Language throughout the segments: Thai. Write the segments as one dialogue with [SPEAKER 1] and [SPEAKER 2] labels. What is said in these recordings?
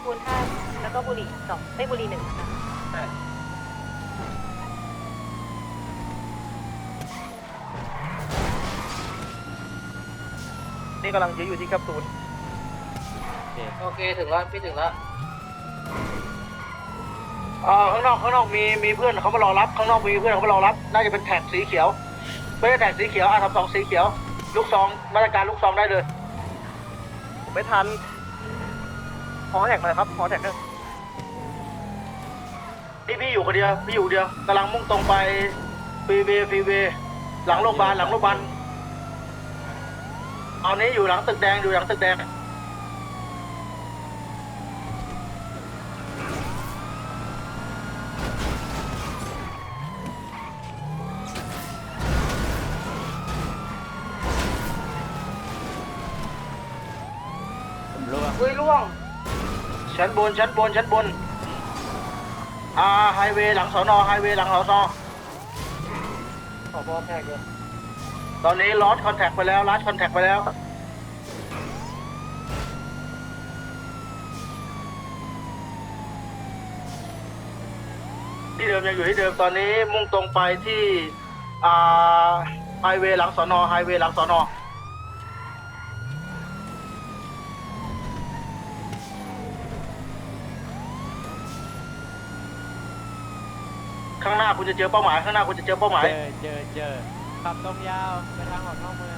[SPEAKER 1] คูณ5แล้วก็บุหรี่2ไม่บุหรี่1ค่ะ
[SPEAKER 2] นี่กำลังยื้ออยู่ที่แคปซูล
[SPEAKER 3] โอเคถึงแล้วพี่ถึงแล้วข้างนอกมีเพื่อนเขามารอรับข้างนอกมีเพื่อนเขามารอรับน่าจะเป็นแท็กสีเขียวไม่ใช่แท็กสีเขียวR32สีเขียวลูกซองมาตรการลูกซองได้เลย
[SPEAKER 2] ผมไม่ทันฮอแท็กเลยครับฮอแท็กนึง
[SPEAKER 3] นี่พี่อยู่คนเดียวพี่อยู่เดียวกำลังมุ่งตรงไปฟรีเวย์หลังโรงพยาบาลตอนนี้อยู่หลังตึกแดงล่วงชั้นบนไฮเวย์หลังสอนอขอบอแท็กเลยตอนนี้ลอสคอนแทคไปแล้วที่เดิมยังอยู่ที่เดิมตอนนี้มุ่งตรงไปที่ไฮเวย์หลังสอนอข้างหน้าคุณจะเจอเป้าหมาย
[SPEAKER 4] เจอขับตรงยาวไปทางออกนอกเมือง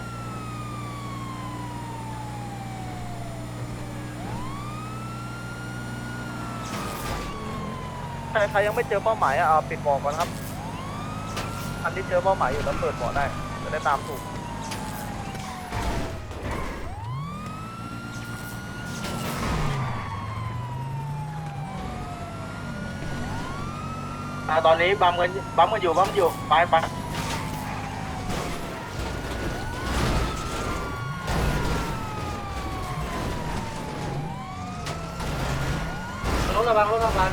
[SPEAKER 2] ใครยังไม่เจอเป้าหมายปิดบอกก่อนครับอันที่เจอเป้าหมายอยู่แล้วเปิดบอกได้จะได้ตามถูก
[SPEAKER 3] ตอนนี้บัมกันอยู่ไปรถระวัง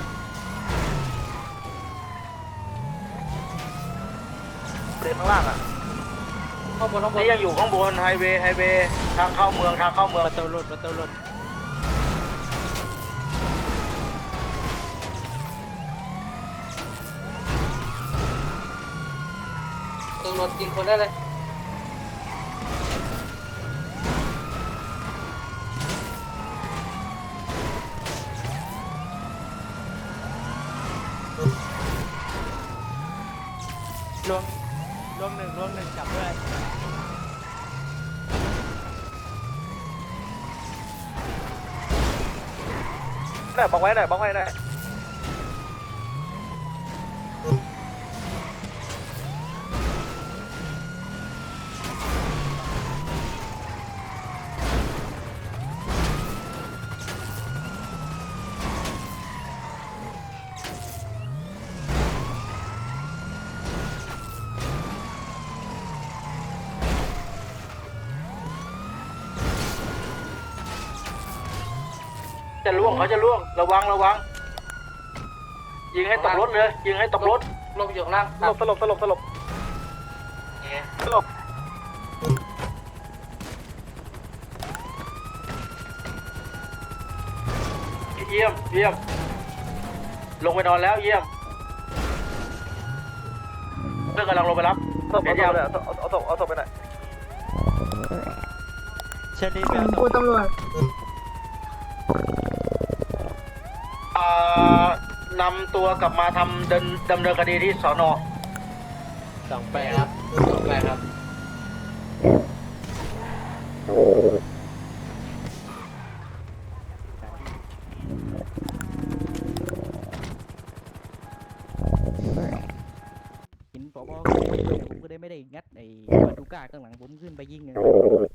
[SPEAKER 2] เปลี่ยนข้างล่าง
[SPEAKER 3] ข้างบนนี่ยังอยู่ข้างบนไฮเวย์ทางเข้าเมือง
[SPEAKER 4] ประตูหลุด
[SPEAKER 3] รถยิงคนได้เลย
[SPEAKER 4] ลวงหนึ่งจับด้วย
[SPEAKER 2] บังไว้หน่อย
[SPEAKER 3] เขาจะล่วงระวังยิงให้ตกรถเลยลงอยู่ข้างล่าง
[SPEAKER 2] สลบ
[SPEAKER 3] เยี่ยมลงไปนอนแล้วเยี่ยมเพื่อนกำลังลงไปรับ
[SPEAKER 2] เอาศพไปไหน
[SPEAKER 4] เชอรี่ไปเอาศ
[SPEAKER 1] กู
[SPEAKER 4] พ
[SPEAKER 1] ตำรวจ
[SPEAKER 3] นำตัวกลับมาทำดำเนินคดีที่สน
[SPEAKER 4] 28ครับหินผบผมก็ได้ไม่ได้งัดไอ้บาตูก้าข้างหลังผมขึ้นไปยิงเลย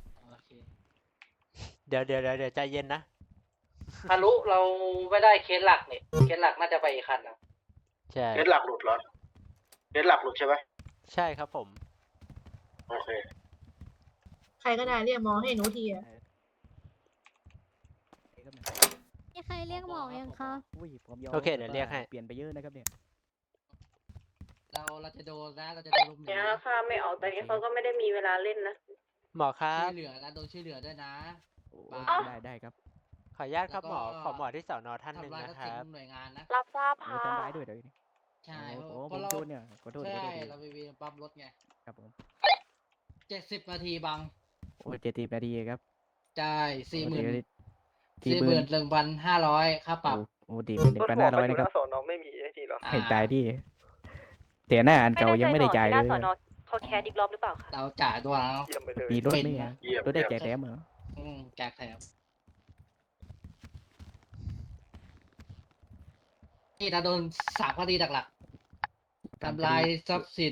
[SPEAKER 4] เดี๋ยวใจเย็นนะ
[SPEAKER 3] ฮารุเราไม่ได้เคสหลักนี่เคสหลักน่าจะไปอีกคันนะ
[SPEAKER 4] ใช่
[SPEAKER 3] เคสหลักหลุดเหรอเคสหลักหลุดใช่ไหม
[SPEAKER 4] ใช่ครับผม
[SPEAKER 3] โอเค
[SPEAKER 1] ใครก็ได้เรียกหมอให้หนูทีอะ
[SPEAKER 5] มีใครเรียกหมอยังคะ
[SPEAKER 4] โอเคเดี๋ยวเรียกให้
[SPEAKER 5] เปลี่ยนไปเยอะนะครับเนี่ย
[SPEAKER 6] เราจะโดนนะเราจะโดนลุมหนี
[SPEAKER 1] เนี่ยค่ะไม่ออกตอนนี้เขาก็ไม่ได้มีเวลาเล่นนะ
[SPEAKER 4] หมอครับ
[SPEAKER 6] ช่วยเหลือนะโดนช่วยเหลือด้วยนะ
[SPEAKER 4] ได้ครับ
[SPEAKER 6] ขออนุญาตครับหมอ
[SPEAKER 7] แล้วก็
[SPEAKER 6] ขอหมอที่สอนอท่านหนึ่ง
[SPEAKER 7] ทำลาย
[SPEAKER 6] นะ
[SPEAKER 7] ทรัพย์
[SPEAKER 6] ค
[SPEAKER 7] สิน
[SPEAKER 6] รับ
[SPEAKER 7] หน่วยงานนะ
[SPEAKER 1] รับทราบ
[SPEAKER 4] โอ้
[SPEAKER 1] ค่ะ
[SPEAKER 4] ทำร้ายด้วยเดี๋ยวนี้
[SPEAKER 7] ใช่
[SPEAKER 4] โอ้
[SPEAKER 7] เพ
[SPEAKER 4] ผม
[SPEAKER 7] ราะเรา
[SPEAKER 4] โดนเนี่ยขอโทษ
[SPEAKER 7] ใช่
[SPEAKER 4] ขอโทษ
[SPEAKER 7] เราไปปั๊มรถไง
[SPEAKER 4] ครับผม
[SPEAKER 7] 70 นาทีบัง
[SPEAKER 4] โอ้70 นาทีครับ
[SPEAKER 7] ใช่40,000
[SPEAKER 4] 41,500
[SPEAKER 7] 41,500ค่าปรับ
[SPEAKER 4] โอ้ดี
[SPEAKER 2] รถหัวมาอ
[SPEAKER 4] 1,500
[SPEAKER 2] ยู่
[SPEAKER 4] นะ
[SPEAKER 2] ห
[SPEAKER 4] ครับ
[SPEAKER 2] น้าสอนอไม่มีไอ้นี่เหรอ
[SPEAKER 7] อ่า
[SPEAKER 4] เห็นตายดิแต่หน้าอันเก่ายังไม่ได้จ่าย
[SPEAKER 1] ห
[SPEAKER 4] เล
[SPEAKER 1] น้าย สอนอเขาแคสอีกรอบหรือเปล่าคะ
[SPEAKER 7] เราจ่ายตัวแล้ว
[SPEAKER 2] เยี่ยมไปเลย
[SPEAKER 4] มีรถ
[SPEAKER 7] เป็น
[SPEAKER 4] ไหม
[SPEAKER 7] ไง
[SPEAKER 4] อะ
[SPEAKER 2] เยี่ยม
[SPEAKER 4] รถได้แจกแถมเหรอ
[SPEAKER 7] แจกแถมนี่ถ้าโดน3 คดีหลักๆทำลายทรัพย์สิน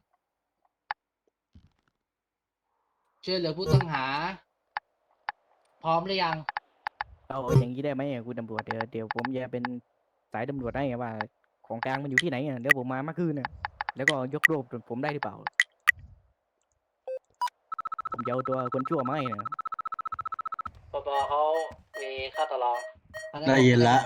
[SPEAKER 7] ช่วยเหลือผู้ต้องหา พร้อมหรือยัง
[SPEAKER 4] เอาอย่างนี้ได้ไหมอะคุณตำรวจเดี๋ยวผมจะเป็นสายตำรวจให้ไงว่า ของกลางมันอยู่ที่ไหนอะเดี๋ยวผมมาเมื่อคืนน่ะแล้วก็ยกโรบผมได้หรือเปล่า ผมจะเอาตัวคนชั่วมาให้นะ
[SPEAKER 3] ปปเขามีค่าตลอด
[SPEAKER 8] ได้ยินละ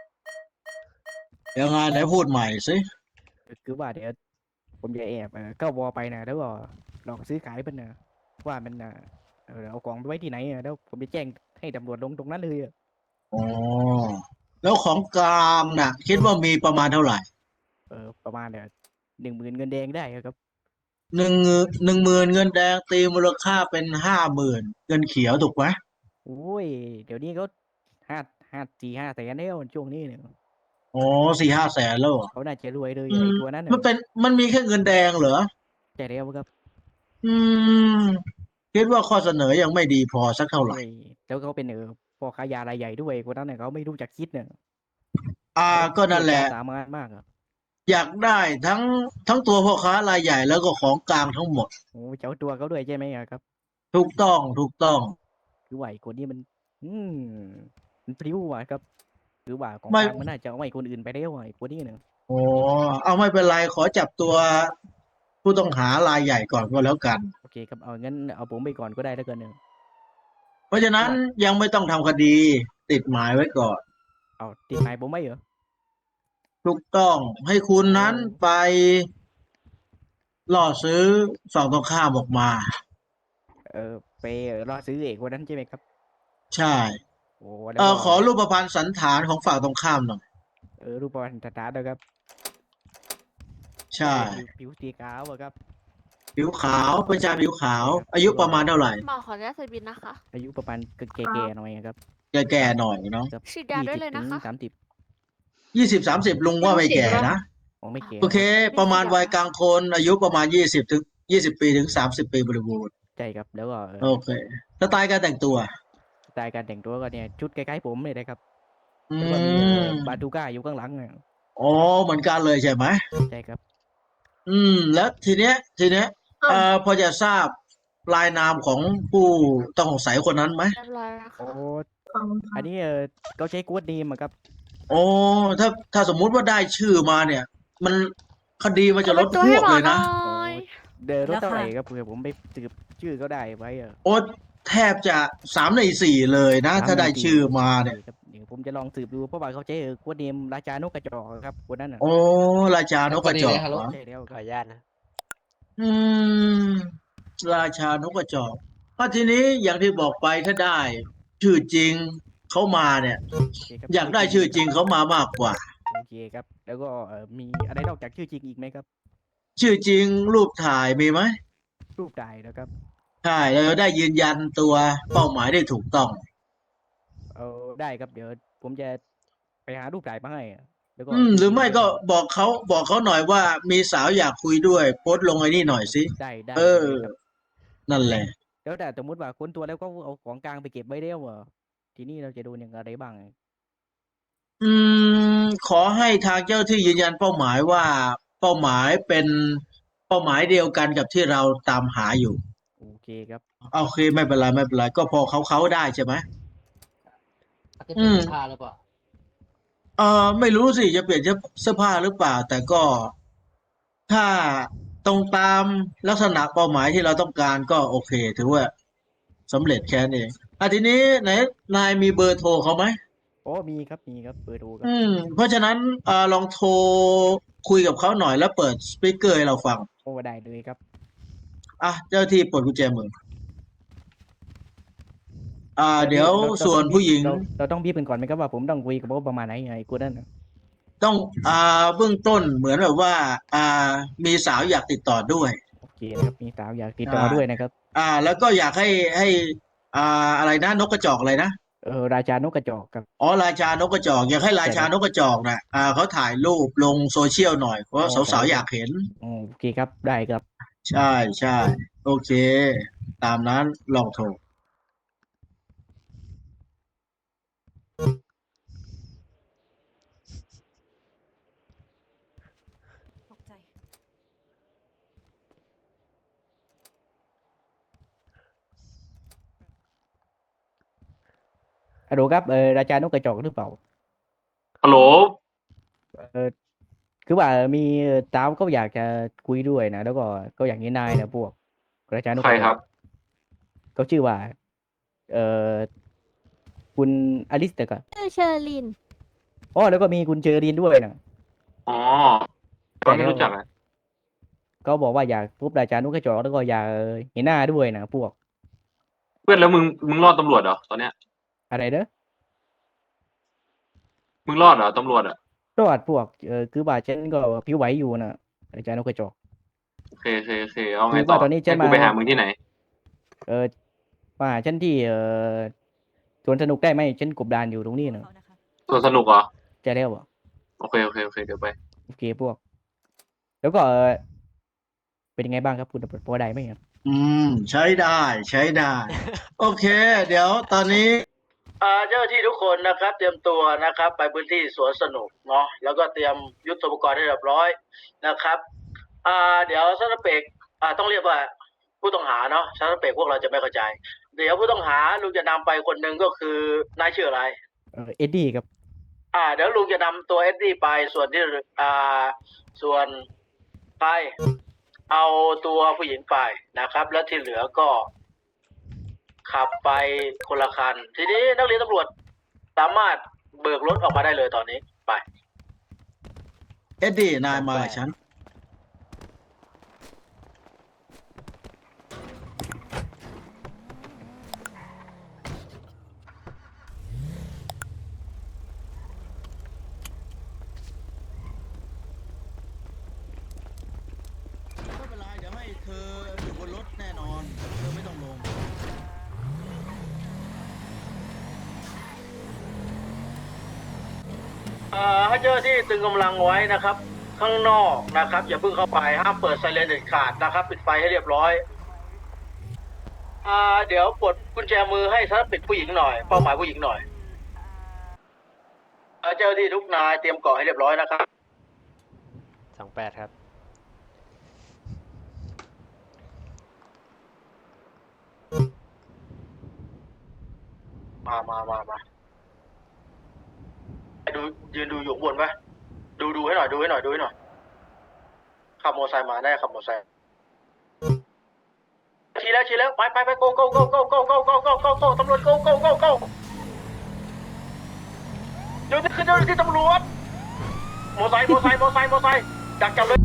[SPEAKER 8] ยังไงไหนพูดใหม่สิ
[SPEAKER 4] คือว่าเดี๋ยวผมจะแอบเข้าวอไปนะแล้วก็หลอกซื้อขายมันนะว่ามันเอาของไปไว้ที่ไหนอะแล้วผมจะแจ้งให้ตำรวจลงตรงนั้นเลยอะ
[SPEAKER 8] อ๋อ แล้วของกลางน่ะ คิดว่ามีประมาณเท่าไหร่
[SPEAKER 4] ประมาณ10,000เงินแดงได้อะครับ
[SPEAKER 8] 10,000เงินแดงตีมูลค่าเป็น50,000เงินเขียวถูกไหม
[SPEAKER 4] โอ้ยเดี๋ยวนี้ก็4-5 แสนแล้วช่วงนี้เนี่ย
[SPEAKER 8] อ๋อ4-5 แสนแล้วเหรอ
[SPEAKER 4] เขาน่าจะรวยเลย
[SPEAKER 8] อื
[SPEAKER 4] ไอ้
[SPEAKER 8] ม
[SPEAKER 4] ตัวนั้น
[SPEAKER 8] มันมีแค่เงินแดงเหรอ
[SPEAKER 4] ใช่แล้วครับ
[SPEAKER 8] อืม คิดว่าข้อเสนอยังไม่ดีพอสักเท่าไหร่
[SPEAKER 4] โอ้ยแล้วเขาเป็นพ่อค้ายารายใหญ่ด้วยคนนั้นเนี่ยเขาไม่รู้จักคิดเนี่ย
[SPEAKER 8] ก็นั่นแหละ
[SPEAKER 4] สามารถมากอะ
[SPEAKER 8] อยากได้ทั้งตัวพ่อค้ารายใหญ่แล้วก็ของกลางทั้งหมด
[SPEAKER 4] โอ้เจ้าตัวเขาด้วยใช่ไหมอะครับ
[SPEAKER 8] ถูกต้องถูกต้อง
[SPEAKER 4] คือว่าไอ้คนนี้มัน มันพลิ้วอะครับคือว่าของ
[SPEAKER 8] ไม่
[SPEAKER 4] กลางมันน่าจะเอาไว้คนอื่นไปแล้วอะไอ้คนนี้เนี่ย
[SPEAKER 8] โอ้เอาไม่เป็นไรขอจับตัวผู้ต้องหารายใหญ่ก่อนก็แล้วกัน
[SPEAKER 4] โอเคครับเอางั้นเอาผมไปก่อนก็ได้แล้วกันเนี่ย
[SPEAKER 8] เพราะฉะนั้นยังไม่ต้องทำคดีติดหมายไว้ก่อน
[SPEAKER 4] เอาติดหมายผมไม่เหรอ
[SPEAKER 8] ถูกต้องให้คุณนั้นไปล่อซื้อฝั่งตรงข้ามออกมา
[SPEAKER 4] ไปรอซื้อเอกคนนั้นใช่ไหมครับ
[SPEAKER 8] ใช่
[SPEAKER 4] โอ้แล้วก็
[SPEAKER 8] ขอรูปพรรณสันฐานของฝั่งตรงข้ามหน่อย
[SPEAKER 4] รูปประวัติตาๆนะครับ
[SPEAKER 8] ใช่
[SPEAKER 4] ผิวสีขาวอะครับ
[SPEAKER 8] ผิวขาวเป็นชายผิวขาว อายุประมาณเท่าไหร่
[SPEAKER 1] หมอขออนุญาตใส่บินนะคะ
[SPEAKER 4] อายุประมาณแก่ๆหน่อยอะครับ
[SPEAKER 8] แก่ๆหน่อยเนาะ
[SPEAKER 4] ครับ
[SPEAKER 1] ฉีดยาด้วยเลยนะคะ
[SPEAKER 4] 20 ถึง 30
[SPEAKER 8] 20-30ลุงว่าไม่แก่นะ
[SPEAKER 4] อ๋อไม่แก่
[SPEAKER 8] โอเค ประมาณวัยกลางคน อายุประมาณ20 ปีถึง 30 ปีบริบูรณ์
[SPEAKER 4] ใช่ครับแล้วก็
[SPEAKER 8] โอเคสไตล์การแต่งตัว
[SPEAKER 4] สไตล์การแต่งตัวก็เนี่ยชุดคล้ายๆผมเลยนะครับ
[SPEAKER 8] อื
[SPEAKER 4] แล้วก็มี
[SPEAKER 8] ม
[SPEAKER 4] บาตูก้าอยู่ข้างหลังอะ
[SPEAKER 8] อ๋อเหมือนกันเลยใช่ไหม
[SPEAKER 4] ใช่ครับ
[SPEAKER 8] แล้วทีเนี้ยพอจะทราบรายนามของผู้ต้องสงสัยคนนั้นไหม
[SPEAKER 1] เรียบร้อยแล้ว
[SPEAKER 4] โอ้
[SPEAKER 1] ค่ะ
[SPEAKER 4] อันนี้เขาใช้กู๊ดดีมอะครับ
[SPEAKER 8] โอ้ถ้าสมมุติว่าได้ชื่อมาเนี่ย มันคดีมันจะลด
[SPEAKER 1] ตัว
[SPEAKER 8] พ
[SPEAKER 1] ให้
[SPEAKER 8] วก
[SPEAKER 1] หมอ
[SPEAKER 8] เลย
[SPEAKER 1] หน่
[SPEAKER 8] นะ
[SPEAKER 1] อย
[SPEAKER 4] รถเท่าไหร่ครับเผื่อผมไปสืบชื่อเขาได้ไว้อะ
[SPEAKER 8] โอ้แทบจะ3 ใน 4เลยนะ ถ้าได้ชื่อมาเนี่ย
[SPEAKER 4] ครับเดี๋ยวผมจะลองสืบดูเพราะว่าเขาใช้กู๊ดดีมราชานกกระจอกครับคนนั้นอะ
[SPEAKER 8] โอ้ราชานกกระจอก
[SPEAKER 7] ฮัลโหล
[SPEAKER 8] เหรอ
[SPEAKER 4] ใช่แล้ว
[SPEAKER 6] ข
[SPEAKER 4] ค
[SPEAKER 6] อ
[SPEAKER 4] รับ
[SPEAKER 6] อนุญาตนะ
[SPEAKER 8] อืม ราชานกกระจอกทีนี้อย่างที่บอกไปถ้าได้ ชื่อจริงเขามาเนี่ย
[SPEAKER 4] โเคครับ
[SPEAKER 8] อยากได้ชื่อจริงเขามามากกว่า
[SPEAKER 4] โอเคครับ แล้วก็มีอะไรนอกจากชื่อจริงอีกไหมครับ
[SPEAKER 8] ชื่อจริงรูปถ่ายมีไหม
[SPEAKER 4] รูปถ่ายนะครับ
[SPEAKER 8] ใช่เราจะได้ยืนยันตัวเป้าหมายได้ถูกต้อง
[SPEAKER 4] ได้ครับเดี๋ยวผมจะไปหารูปถ่ายมาให้อะแล้วก็
[SPEAKER 8] หรือไม่ก็บอกเขาหน่อยว่ามีสาวอยากคุยด้วยโพสต์ลงไอ้นี่หน่อยสิ
[SPEAKER 4] ได้
[SPEAKER 8] เออ
[SPEAKER 4] เลยครับ
[SPEAKER 8] นั่นแหละ
[SPEAKER 4] แล้วแต่สมมติว่าค้นตัวแล้วก็เอาของกลางไปเก็บไว้แล้วทีนี้เราจะโดนอย่างไรบ้าง
[SPEAKER 8] ขอให้ทางเจ้าที่ยืนยันเป้าหมายว่าเป้าหมายเป็นเป้าหมายเดียวกันกับที่เราตามหาอยู่
[SPEAKER 4] โอเคครับ
[SPEAKER 8] โอเคไม่เป็นไรก็พอเขาได้ใช่ไหม
[SPEAKER 7] อาจจะเป็นผ้าหรือเปล่า
[SPEAKER 8] ไม่รู้สิจะเปลี่ยนเสื้อผ้าหรือเปล่า แต่ก็ถ้าตรงตามลักษณะเป้าหมายที่เราต้องการก็โอเค ถือว่าสำเร็จแค่นั้นเองทีนี้ไหนนายมีเบอร์โทรเขาไหม
[SPEAKER 4] มีครับเปิดดูครับ
[SPEAKER 8] เพราะฉะนั้นลองโทรคุยกับเขาหน่อยแล้วเปิดสปีกเกอร์ให้เราฟัง
[SPEAKER 4] ได้เลยครับ
[SPEAKER 8] เจ้าที่ปลดกุญแจมือเดี๋ยว
[SPEAKER 4] เรา
[SPEAKER 8] ส่วน
[SPEAKER 4] ต้อง
[SPEAKER 8] ผู้หญิง
[SPEAKER 4] เราต้องบีบกันก่อนไหมครับว่าผมต้องคุยกับเขาประมาณไหนไงกูนั่นน่ะ
[SPEAKER 8] ต้องเบื้องต้นเหมือนแบบว่า มีสาวอยากติดต่อด้วย
[SPEAKER 4] โอเคนะครับมีสาวอยากติดต่อ
[SPEAKER 8] ใช่
[SPEAKER 4] ด้วยนะครับ
[SPEAKER 8] แล้วก็อยากให้อะไรนะนกกระจอกอะไรนะ
[SPEAKER 4] ราชานกกระจอกครับ
[SPEAKER 8] อ๋อราชานกกระจอกอยากให้ราชานกกระจอกน่ะเขาถ่ายรูปลงโซเชียลหน่อยเพราะ
[SPEAKER 4] อ๋อ
[SPEAKER 8] สาวๆอยากเห็น
[SPEAKER 4] โอเคครับได้ครับ
[SPEAKER 8] ใช่ใช่โอเค ตามนั้นลองโทร
[SPEAKER 1] ตกใจ
[SPEAKER 4] ฮัลโหลครับราชานกกระจอกหรือเปล่า
[SPEAKER 6] ฮัลโหล
[SPEAKER 4] เออคือว่ามีสาวเขาอยากจะคุยด้วยนะแล้วก็ก็อย่างนี้นายนะพวกราชานก
[SPEAKER 6] ใคร
[SPEAKER 4] กระจ
[SPEAKER 6] ค
[SPEAKER 4] อ
[SPEAKER 6] รั
[SPEAKER 4] ก
[SPEAKER 6] บ
[SPEAKER 4] เขาชื่อว่าเออคุณอลิสเตอร์ครับ
[SPEAKER 5] ชื่อเชอร์ลิน
[SPEAKER 4] อ๋อแล้วก็มีคุณเจอรีนด้วยนะ
[SPEAKER 6] อ๋อก็ไม่รู้จักอ่ะ
[SPEAKER 4] เขาบอกว่าอยากพบราชานกกระจอกแล้วก็อยากเห็นหน้าด้วยนะพวก
[SPEAKER 6] เพื่อนแล้วมึงรอดตำรวจเหรอตอนเนี้ย
[SPEAKER 4] อะไรเด้อ
[SPEAKER 6] มึงรอดเหรอตำรวจอ่ะ
[SPEAKER 4] รอดพวกคือว่าฉันก็ผิวไหวอยู่นะราชานกกระจอก
[SPEAKER 6] โอเคเอาไง
[SPEAKER 4] คือ
[SPEAKER 6] ต่อ
[SPEAKER 4] ว่าตอนนี้ฉัน
[SPEAKER 6] ให้กู
[SPEAKER 4] มา
[SPEAKER 6] ไปหามึงที่ไหน
[SPEAKER 4] มาหาฉันที่สวนสนุกได้ไหมฉันกบดานอยู่ตรงนี้นะ
[SPEAKER 6] ส่วนสนุกเหรอ
[SPEAKER 4] จะแล้วอ่ะ
[SPEAKER 6] โอเคเดี๋ยวไป
[SPEAKER 4] โอเคพวก แล้วก็เป็นยังไงบ้างครับคุณตำรวจพอได้ไหมครับ
[SPEAKER 8] ใช้ได้ใช้ได้ โอเค เดี๋ยวตอนนี้เจ้าหน้าที่ทุกคนนะครับ เตรียมตัวนะครับ ไปพื้นที่สวนสนุกเนาะแล้วก็เตรียมยุทโธปกรณ์ให้เรียบร้อยนะครับเดี๋ยวซัสเปกต้องเรียกว่าผู้ต้องหาเนาะซัสเปกพวกเราจะไม่เข้าใจ เดี๋ยวผู้ต้องหาลุงจะนำไปคนหนึ่งก็คือนายชื่ออะไร
[SPEAKER 4] เอ็ดดี้ครับ
[SPEAKER 8] เดี๋ยวลุงจะนำตัวเอ็ดดี้ไปส่วนที่ส่วนไปเอาตัวผู้หญิงไปนะครับ แล้วที่เหลือก็ขับไปคนละคัน ทีนี้นักเรียนตำรวจสามารถเบิกรถออกมาได้เลยตอนนี้ไปเอ็ดดี้นายมาฉันไม่เป็นไรเดี๋ยวให้เธออยู่บนรถแน่นอนเธอไม่ต้องลง ให้เจ้าหน้าที่ตึงกำลังไว้นะครับ ข้างนอกนะครับ อย่าเพิ่งเข้าไปห้ามเปิดไซเรนเด็ดขาดนะครับ ปิดไฟให้เรียบร้อยเดี๋ยวกดกุญแจมือให้ซัสปิดผู้หญิงหน่อยเป้าหมายผู้หญิงหน่อยเจ้าหน้าที่ทุกนายเตรียมเกาะให้เรียบร้อยนะครับ
[SPEAKER 9] 28 ครับ
[SPEAKER 8] มาดูยืนดูอยู่ข้างบนปะดูให้หน่อยดูให้หน่อยขับมอเตอร์ไซค์มาแน่ขับมอเตอร์ไซค์ชี้แล้วไปโกตำรวจโกเดี๋ยวนี้คือเจ้าหน้าที่ตำรวจมอไซค์จับเลย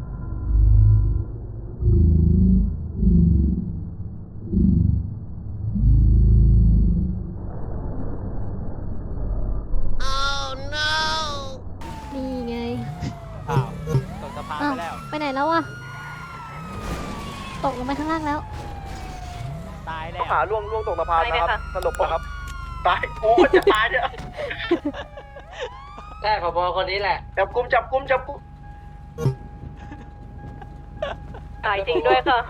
[SPEAKER 5] นี่ไง
[SPEAKER 9] อ้าวตกสะพาน
[SPEAKER 5] อ้าว
[SPEAKER 9] ไปแล้ว
[SPEAKER 5] ไปไหนแล้วอะตกลงไปข้างล่างแล้ว
[SPEAKER 9] ตายแล้
[SPEAKER 2] ต้อง
[SPEAKER 9] ว
[SPEAKER 2] หาล่วงตกสะพานนะครับสลบปะครับ
[SPEAKER 8] ตายโอ้จะตายเนี่ย
[SPEAKER 3] ใช่ผบคนนี้แหละ
[SPEAKER 8] จับกุม
[SPEAKER 1] ตายจริงด้วยค่ะ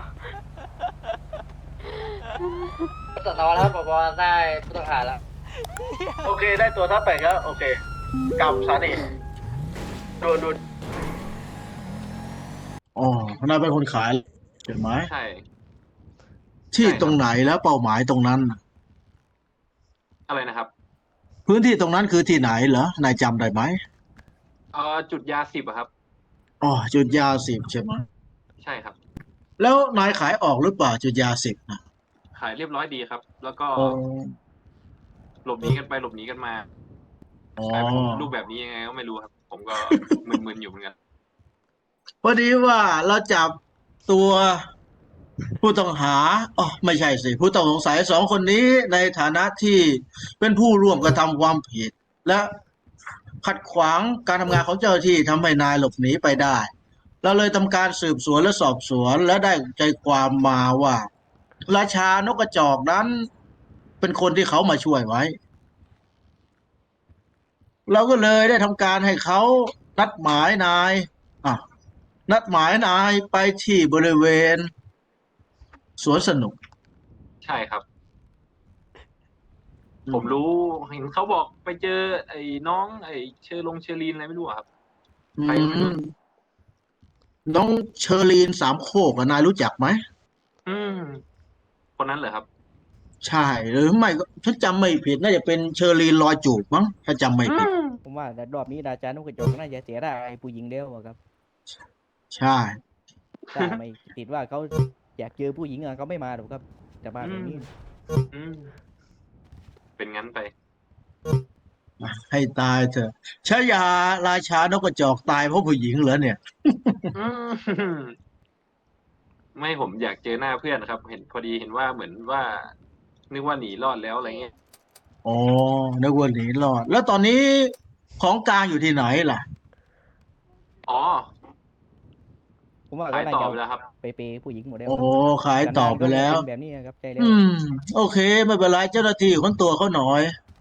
[SPEAKER 3] สตอแล้วผบได้ผู้ต้องหาแล้ว
[SPEAKER 8] โอเคได้ตัวทัพแปลกแล้วโอเคกลับสถานีดูอ๋อนายเป็นคนขายเห็นไหม
[SPEAKER 6] ใช่
[SPEAKER 8] ที่ตรงไหนแล้วเป้าหมายตรงนั้น
[SPEAKER 6] อะไรนะครับ
[SPEAKER 8] พื้นที่ตรงนั้นคือที่ไหนเหรอนายจำได้ไหม
[SPEAKER 6] จุดยา10อะครับ
[SPEAKER 8] อ๋อจุดยา10ใช่ไหม
[SPEAKER 6] ใช่ครับ
[SPEAKER 8] แล้วนายขายออกหรือเปล่าจุดยา10นะ
[SPEAKER 6] ขายเรียบร้อยดีครับ แล้วก็
[SPEAKER 8] อ๋อ
[SPEAKER 6] หลบหนีกันไปหลบหนีกันมา
[SPEAKER 8] อ๋อก
[SPEAKER 6] ลายเป็นรูปแบบนี้ยังไงก็ไม่รู้ครับ ผมก็ มึนๆอยู่เหมือนกัน
[SPEAKER 8] พอดีว่าเราจับตัวผู้ต้องหาอ๋อไม่ใช่สิ ผู้ต้องสงสัยสองคนนี้ในฐานะที่เป็นผู้ร่วมกระทำความผิด และขัดขวางการทำงานของเจ้าหน้าที่ทำให้นายหลบหนีไปได้ เราเลยทำการสืบสวนและสอบสวนและได้ใจความมาว่า ราชานกกระจอกนั้น เป็นคนที่เขามาช่วยไว้ เราก็เลยได้ทำการให้เขานัดหมายนายอ่ะนัดหมายนายไปที่บริเวณ สวนสนุก
[SPEAKER 6] ใช่ครับ ผมรู้เห็นเขาบอกไปเจอไอ้น้องไอ้เชอรีนอะไรไม่รู้อะครับ ใครไม่รู้
[SPEAKER 8] น้องเชอรีนสามโคกอะนายรู้จักไหม
[SPEAKER 6] อืม คนนั้นเหรอครับ
[SPEAKER 8] ใช่หรือไม่ก็ฉันจำไม่ผิดน่าจะเป็นเชอรีนรอยจูบมั้งถ้าจำไม่ผิด
[SPEAKER 4] ผมว่ารอบนี้ราชานกกระจอกน่าจะเสียได้ผู้หญิงเดียวอะครับ
[SPEAKER 8] ใช่
[SPEAKER 4] ถ้าไม่ติดว่าเขาอยากเจอผู้หญิงอะเขาไม่มาหรอกครับจะมาแบบนี้
[SPEAKER 6] อืม เป็นงั้นไป
[SPEAKER 8] ให้ตายเถอะชายาราชานกกระจอกตายเพราะผู้หญิงเหรอเนี่ย
[SPEAKER 6] อืม ไม่ผมอยากเจอหน้าเพื่อนครับ เห็นพอดีเห็นว่าเหมือนว่า นึกว่าหนีรอดแล้วอะไรเงี้ย
[SPEAKER 8] อ๋อนึกว่าหนีรอด แล้วตอนนี้ของกลางอยู่ที่ไหนล่ะ
[SPEAKER 6] อ๋อ
[SPEAKER 4] ผมว่า
[SPEAKER 6] ขา
[SPEAKER 4] ก็
[SPEAKER 6] ย
[SPEAKER 4] น่า
[SPEAKER 6] ต่อ
[SPEAKER 4] จะ
[SPEAKER 6] ไปแล้วครับ
[SPEAKER 4] ไปเปย์ผู้หญิงหมดแล้ว
[SPEAKER 8] โอ้
[SPEAKER 4] ครับ
[SPEAKER 8] ขายต่อไปแล้ว
[SPEAKER 4] เป็นแบบนี้ครับใจแล้ว
[SPEAKER 8] โอเค ไม่เป็นไรเจ้าหน้าที่ค้นตัวเขาหน่อย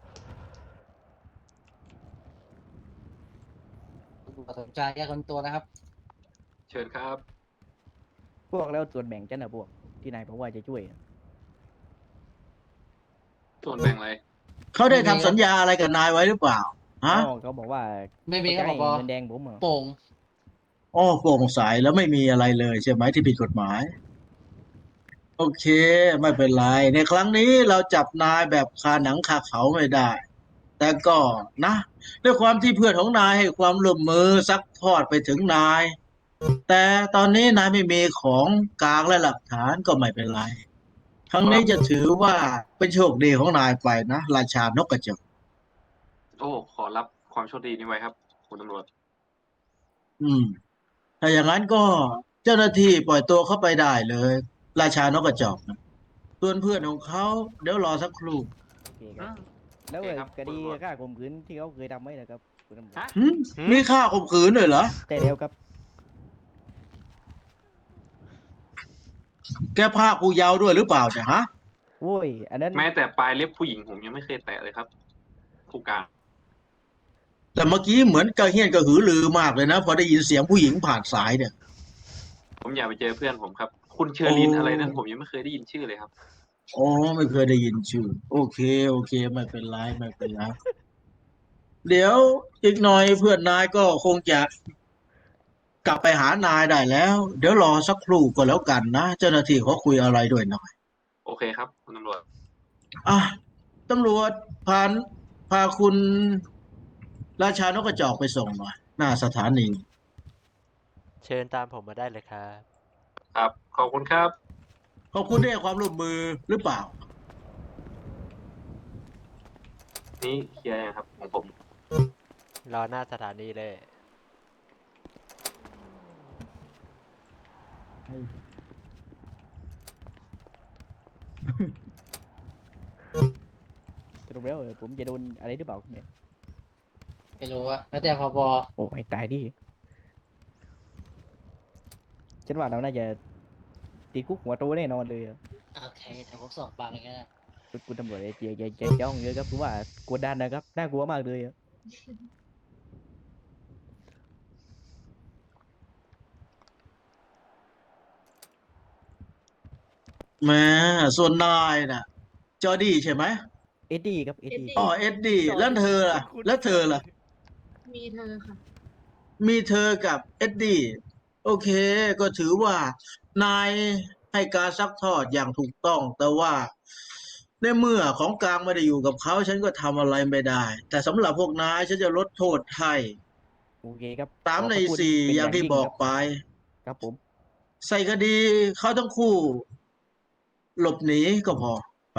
[SPEAKER 7] สนใจแยกคนตัวนะครับ
[SPEAKER 6] เชิญครับ
[SPEAKER 4] พวกแล้วส่วนแบ่งจะนะพวกที่นายบอกว่าจะช่วย
[SPEAKER 6] ส่วนแบ่งอะไร
[SPEAKER 8] เขาได้ทำสัญญาอะไรกับนายไว้หรือเปล่าฮะ
[SPEAKER 4] อ๋อเขาบอกว่า
[SPEAKER 7] ไม่มีครับ
[SPEAKER 4] เขา
[SPEAKER 7] ผ
[SPEAKER 4] จะ
[SPEAKER 7] บ
[SPEAKER 4] ให้เงินแดงผมเหรอ
[SPEAKER 7] โป่ง
[SPEAKER 8] อ๋อโปร่งใสแล้วไม่มีอะไรเลยใช่ไหมที่ผิดกฎหมาย โอเค ไม่เป็นไร ในครั้งนี้เราจับนายแบบคาหนังคาเขาไม่ได้ แต่ก็นะด้วยความที่เพื่อนของนายให้ความร่วมมือซักทอดไปถึงนาย แต่ตอนนี้นายไม่มีของกลางและหลักฐานก็ไม่เป็นไร ครั้งนี้จะถือว่าเป็นโชคดีของนายไปนะราชานกกระจอก
[SPEAKER 6] โอ้ ขอรับความโชคดีนี้ไว้ครับ คุณตำรวจ
[SPEAKER 8] ถ้าอย่างนั้นก็เจ้าหน้าที่ปล่อยตัวเข้าไปได้เลย ราชานกกระจอกนะส่วนเพื่อนของเขาเดี๋ยวรอสักครู่
[SPEAKER 4] โอเคครับแล้ว
[SPEAKER 6] โอเคครับ
[SPEAKER 4] คดี
[SPEAKER 6] คุณตำรวจ
[SPEAKER 4] ฆ่าข่มขืนที่เขาเคยทำไว้นะครับคุณตำรวจ
[SPEAKER 6] ฮะ
[SPEAKER 8] หึมีค่าข่มขืนด้วยเหรอ
[SPEAKER 4] ใช่แล้วครับ
[SPEAKER 8] แกพากูเยาว์ด้วยหรือเปล่าจ๊ะฮะ
[SPEAKER 4] โว้ยอันนั้น
[SPEAKER 6] แม้แต่ปลายเล็บผู้หญิงผมยังไม่เคยแตะเลยครับ ผู้การ
[SPEAKER 8] แต่เมื่อกี้เหมือนกระเฮี้ยนกระหือรือมากเลยนะ พอได้ยินเสียงผู้หญิงผ่านสายเนี่ย
[SPEAKER 6] ผมอยากไปเจอเพื่อนผมครับ คุณเชอริน
[SPEAKER 8] โอ้
[SPEAKER 6] อะไรนั้นผมยังไม่เคยได้ยินชื่อเลยครับ
[SPEAKER 8] อ๋อไม่เคยได้ยินชื่อ โอเค โอเค ไม่เป็นไรไม่เป็นไรเดี๋ยวอีกหน่อยเพื่อนนายก็คงจะกลับไปหานายได้แล้ว เดี๋ยวรอสักครู่ก็แล้วกันนะ เจ้าหน้าที่เขาคุยอะไรด้วยหน่อย
[SPEAKER 6] โอเคครับ คุณตำรวจ
[SPEAKER 8] อ่ะตำรวจพาคุณราชานกกระจอกไปส่งหน่อยหน้าสถานี
[SPEAKER 9] เชิญตามผมมาได้เลยครับ
[SPEAKER 6] ครับ ขอบคุณครับ
[SPEAKER 8] ขอบคุณที่ให้ความร่วมมือหรือเปล่า
[SPEAKER 6] นี่เคลียร์ยังครับ ของผม
[SPEAKER 9] รอหน้าสถานีเลย
[SPEAKER 4] สรุปแล้วผมจะโดนอะไรหรือเปล่าเนี่ย
[SPEAKER 7] ไม่รู้ว่าแล้วแต่พบ
[SPEAKER 4] โอ้ยตายดิฉันว่าเราน่าจะติดคุกหัวโตแน่นอนเลยอะ
[SPEAKER 7] โอเคแต่ผมสอบบางอย่างเงี้ย
[SPEAKER 4] คุณตำรวจอย่าจ้องเยอะครับเพราะว่ากดดันนะครับน่ากลัวมากเลยอะ
[SPEAKER 8] แหม้ส่วนนายน่ะ จอร์ดี้ใช่ไหม
[SPEAKER 4] เอ็ดดี้ครับเอ็ดดี้
[SPEAKER 8] อ๋อเอ็ดดี้แล้วเธอล่ะ แล้วเธอล่ะ
[SPEAKER 5] มีเธอค่ะ
[SPEAKER 8] มีเธอกับเอ็ดดี้โอเค ก็ถือว่านายให้การซักทอดอย่างถูกต้อง แต่ว่าในเมื่อของกลางไม่ได้อยู่กับเขา ฉันก็ทำอะไรไม่ได้ แต่สำหรับพวกนายฉันจะลดโทษให้
[SPEAKER 4] โอเคครับ
[SPEAKER 8] 3 ใน
[SPEAKER 4] ขบคุณ
[SPEAKER 8] 4
[SPEAKER 4] เป็น
[SPEAKER 8] อย่างที่
[SPEAKER 4] ยิ่
[SPEAKER 8] บอก
[SPEAKER 4] ครับ
[SPEAKER 8] ไป
[SPEAKER 4] ครับผม
[SPEAKER 8] ใส่คดีเขาทั้งคู่ หลบหนีก็พอไป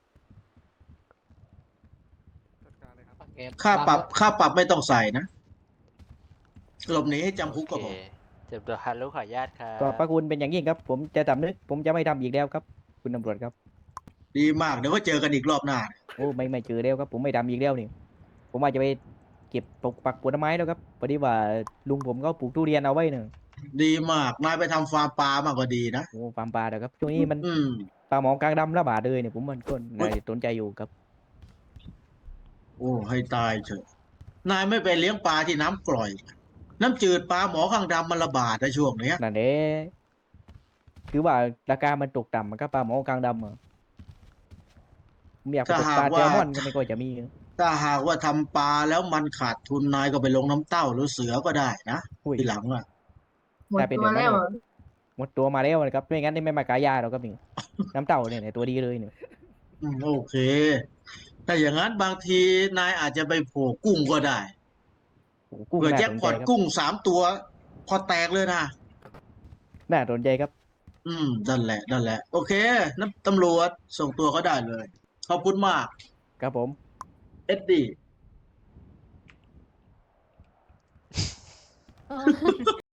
[SPEAKER 7] โอเค
[SPEAKER 8] ค่าปรับไม่ต้องใส่นะ หลบหนีให้จำคุกก็
[SPEAKER 9] โอ
[SPEAKER 8] พ
[SPEAKER 9] เค
[SPEAKER 8] อ
[SPEAKER 9] เจ็บตัวฮัลโหลขออนุญาตครับ
[SPEAKER 4] ก็พระคุณเป็นอย่างยิ่งครับ ผมจะสำนึกผมจะไม่ทำอีกแล้วครับ คุณตำรวจครับ
[SPEAKER 8] ดีมากเดี๋ยวก็เจอกันอีกรอบหน้า
[SPEAKER 4] โอ้ไม่เจอแล้วครับ ผมไม่ทำอีกแล้วนี่ผมว่าจะไปเก็บปลูกปักผลไม้แล้วครับพอดีว่าลุงผมก็ปลูกทุเรียนเอาไว้เนี่ย
[SPEAKER 8] ดีมากนายไปทำฟาร์มปลามากกว่าดีนะ
[SPEAKER 4] โอ้ฟาร์มปลาเดี๋ยวครับช่วงนี้มัน
[SPEAKER 8] อืม
[SPEAKER 4] ปลาหมอกลางดำระบาดเลยเนี่ยผมมันก็น่าจะสนใจอยู่ครับ
[SPEAKER 8] โอ้ให้ตายเถอะนายไม่ไปเลี้ยงปลาที่น้ำกร่อย น้ำจืดปลาหมอข้างดำมันระบาดในช่วงเนี้ย
[SPEAKER 4] นั่นเด้คือว่าราคามันตกต่ำมันก็ปลาหมอกลางดำอะผมอยากไปตกปลาแซลมอนก็ไม่ค่อยจะมี
[SPEAKER 8] ถ้าหากว่าทำปลาแล้วมันขาดทุนนายก็ไปลงน้ำเต้าหรือเสือก็ได้นะ
[SPEAKER 4] อุ้ย
[SPEAKER 8] ทีหลังอ่ะ
[SPEAKER 4] กลายเป็นแบบนั้นเลยหมดตัวมาแล้วนะครับไม่งั้นนี่ไม่มากายาหรอกครับนี่ น้ำเต่าเนี่ยตัวดีเลยเนี่ย
[SPEAKER 8] โอเค ถ้าอย่างนั้นบางทีนายอาจจะไปโผล่กุ้งก็ได้
[SPEAKER 4] โอ้โหกุ้ง
[SPEAKER 8] เผื่อ
[SPEAKER 4] น่า
[SPEAKER 8] แจ็ค
[SPEAKER 4] สน
[SPEAKER 8] พ
[SPEAKER 4] ใจ
[SPEAKER 8] อต
[SPEAKER 4] ครับ
[SPEAKER 8] กุ้ง3 ตัว พอแตกเลยนะ
[SPEAKER 4] น่าสนใจครับ
[SPEAKER 8] นั่นแหละนั่นแหละ โอเคน้ำตำรวจส่งตัวเขาได้เลย ขอบคุณมาก
[SPEAKER 4] ครับผม
[SPEAKER 8] เอ็ดดี้